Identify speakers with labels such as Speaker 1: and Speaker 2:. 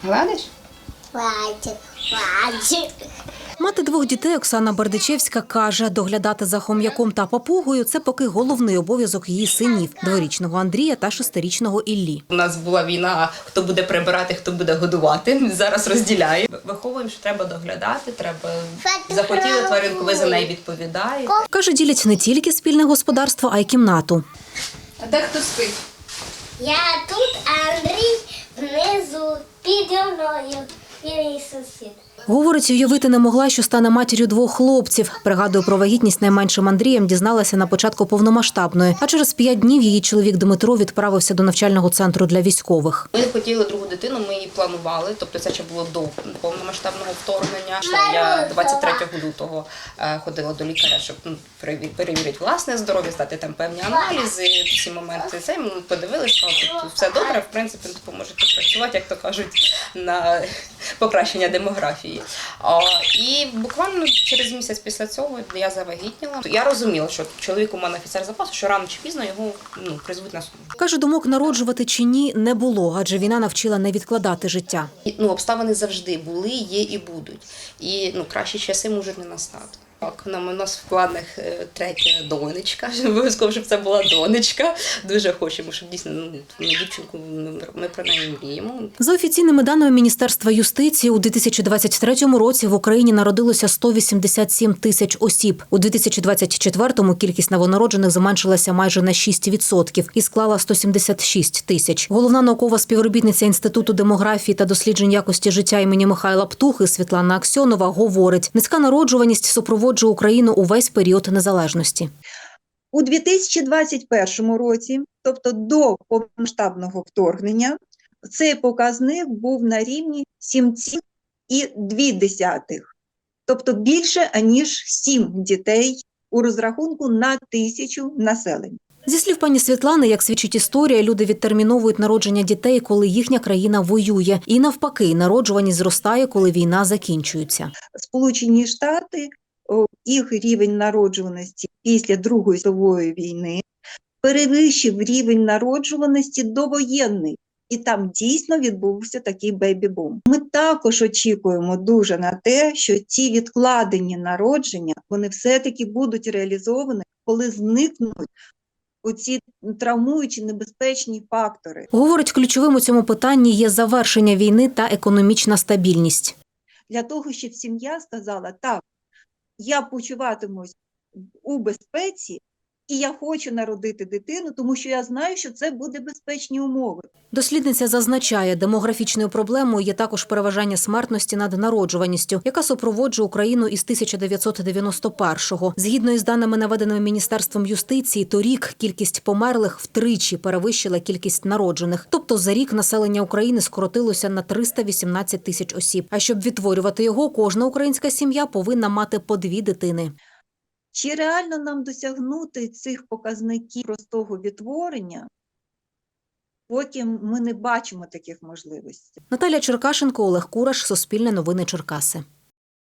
Speaker 1: Гладиш?
Speaker 2: Хватить.
Speaker 3: Мати двох дітей Оксана Бердичевська каже, доглядати за хом'яком та папугою – це поки головний обов'язок її синів – дворічного Андрія та шестирічного Іллі.
Speaker 1: У нас була війна, хто буде прибирати, хто буде годувати. Зараз розділяє. Виховуємо, що треба доглядати, треба захотіли тваринку, ви за неї відповідаєте.
Speaker 3: Каже, ділять не тільки спільне господарство, а й кімнату.
Speaker 1: А де хто спить?
Speaker 2: Я тут, а Андрій внизу піді мною. І мій сусід.
Speaker 3: Говорить, уявити не могла, що стане матір'ю двох хлопців. Пригадує, про вагітність найменшим Андрієм дізналася на початку повномасштабної. А через 5 днів її чоловік Дмитро відправився до навчального центру для військових.
Speaker 1: Ми хотіли другу дитину, ми її планували, тобто це ще було до повномасштабного вторгнення. Я 23 лютого ходила до лікаря, щоб перевірити власне здоров'я, здати там певні аналізи, всі моменти. Це ми подивилися, сказали, тут все добре, в принципі, допоможете працювати, як то кажуть, на покращення демографії. І буквально через місяць після цього я завагітніла. Я розуміла, що чоловік у мене офіцер запасу, що рано чи пізно його призвуть на службу.
Speaker 3: Каже, думок народжувати чи ні не було, адже війна навчила не відкладати життя.
Speaker 1: Обставини завжди були, є і будуть. І кращі часи можуть не настати. Так, у нас в планах третя донечка, обов'язково, щоб це була донечка. Дуже хочемо, щоб дійсно дівчинку, ми про неї мріємо.
Speaker 3: За офіційними даними Міністерства юстиції, у 2023 році в Україні народилося 187 тисяч осіб. У 2024-му кількість новонароджених зменшилася майже на 6% і склала 176 тисяч. Головна наукова співробітниця Інституту демографії та досліджень якості життя імені Михайла Птухи Світлана Аксьонова говорить, низька народжуваність супроводжує Україну увесь період незалежності.
Speaker 4: У 2021 році, тобто до повномасштабного вторгнення, цей показник був на рівні 7,2, тобто більше, аніж 7 дітей у розрахунку на 1000 населення.
Speaker 3: Зі слів пані Світлани, як свідчить історія, люди відтерміновують народження дітей, коли їхня країна воює. І навпаки, народжуваність зростає, коли війна закінчується.
Speaker 4: Сполучені Штати, їх рівень народжуваності після Другої світової війни перевищив рівень народжуваності довоєнний. І там дійсно відбувся такий бейбі-бум. Ми також очікуємо дуже на те, що ці відкладені народження, вони все-таки будуть реалізовані, коли зникнуть оці травмуючі небезпечні фактори.
Speaker 3: Говорить, ключовим у цьому питанні є завершення війни та економічна стабільність.
Speaker 4: Для того, щоб сім'я сказала, так, я почуватимусь у безпеці, і я хочу народити дитину, тому що я знаю, що це буде безпечні умови.
Speaker 3: Дослідниця зазначає, демографічною проблемою є також переважання смертності над народжуваністю, яка супроводжує Україну із 1991-го. Згідно із даними, наведеними Міністерством юстиції, торік кількість померлих втричі перевищила кількість народжених. Тобто за рік населення України скоротилося на 318 тисяч осіб. А щоб відтворювати його, кожна українська сім'я повинна мати по 2 дитини.
Speaker 4: Чи реально нам досягнути цих показників простого відтворення, поки ми не бачимо таких можливостей?
Speaker 3: Наталя Черкашенко, Олег Кураш, Суспільне новини Черкаси.